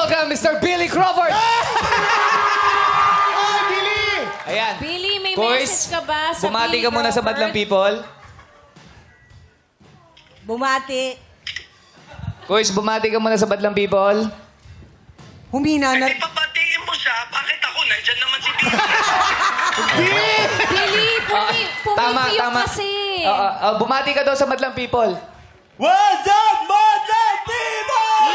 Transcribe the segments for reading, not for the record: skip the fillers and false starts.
welcome Mr. Billy Crawford! Ay, Billy! Ayan. Billy, may Boys, message ka ba sa bumati Billy ka muna sa Crawford? Madlang People. Bumati. Boys, bumati ka muna sa Madlang People. Humina na. Hindi papatiin mo siya. Bakit ako? Nandyan naman si Billy. Billy, pumipiyok kasi. Bumati ka daw sa Madlang People. What's up, Madlang People?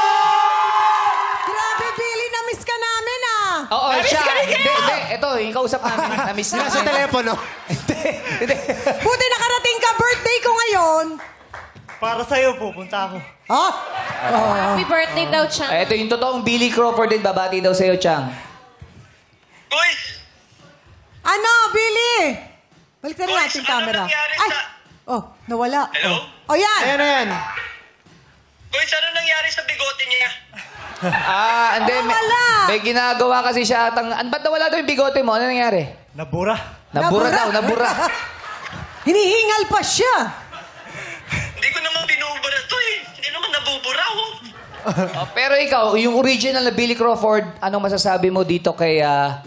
Grabe, Billy, na-miss ka namin ah. Oo, siya. Hindi. Ito, yung kausap namin. Na-miss niya. Nasa telepono. Hindi. Buti nakarating ka, birthday ko ngayon. Para sa'yo, pupunta ako. Ha? Happy birthday daw, Chang. Ito yung totoong Billy Crawford din. Babati daw sa'yo, Chang. Boys, Ano, Billy? Balik na rin Boys, natin ano camera. nangyari Ay! sa- Oh, nawala. Hello? Oh, yan. Ayan na yan. boys, ano nangyari sa bigote niya? Hindi. Wala. May ginagawa kasi siya. Ba't nawala daw yung bigote mo? Ano nangyari? Nabura. Nabura daw, nabura. Hinihingal pa siya. Hindi ko naman binubura to eh. Hindi naman nabubura oh. Pero ikaw, yung original na Billy Crawford, anong masasabi mo dito kay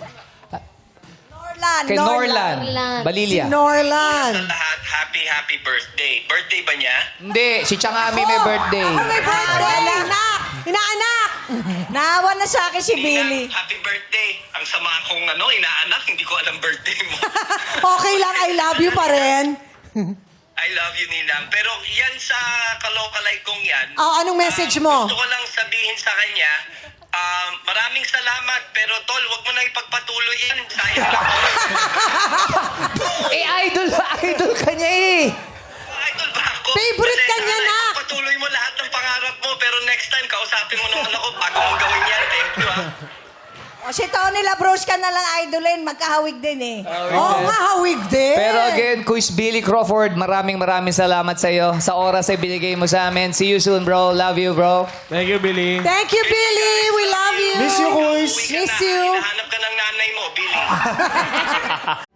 Norlan. Norlan Balilia? Si Norlan. Sa lahat, happy birthday. Birthday ba niya? Hindi, si Changami may birthday. Ako may birthday. Inaanak. Inaanak. Naawa na sa akin si Billy. Ninang, happy birthday. Ang sama kong inaanak, hindi ko alam birthday mo. Okay lang, I love you pa rin. I love you, Ninang. Pero yan sa kalokalay kong yan. Oh, anong message mo? Gusto ko lang sabihin sa kanya, maraming salamat, pero tol, wag mo na ipagpatuloy yan. Sayang lang oras. Idol ka niya eh. Idol ba ako? Favorite ka niya, nak. Patuloy mo lahat ng pangarap mo, pero next time, kausapin mo naman ako bago mong gawin yan. Thank you, O, si Tony Labros ka na lang idolin. Magkahawig din eh. Oo nga, hawig din. Pero again, Kuis Billy Crawford, maraming salamat sa iyo sa oras na binigay mo sa amin. See you soon, bro. Love you, bro. Thank you, Billy. Thank you, Billy. We love you. Miss you, Kuis. Uwi ka Miss na. you. Hinahanap ka ng nanay mo, Billy.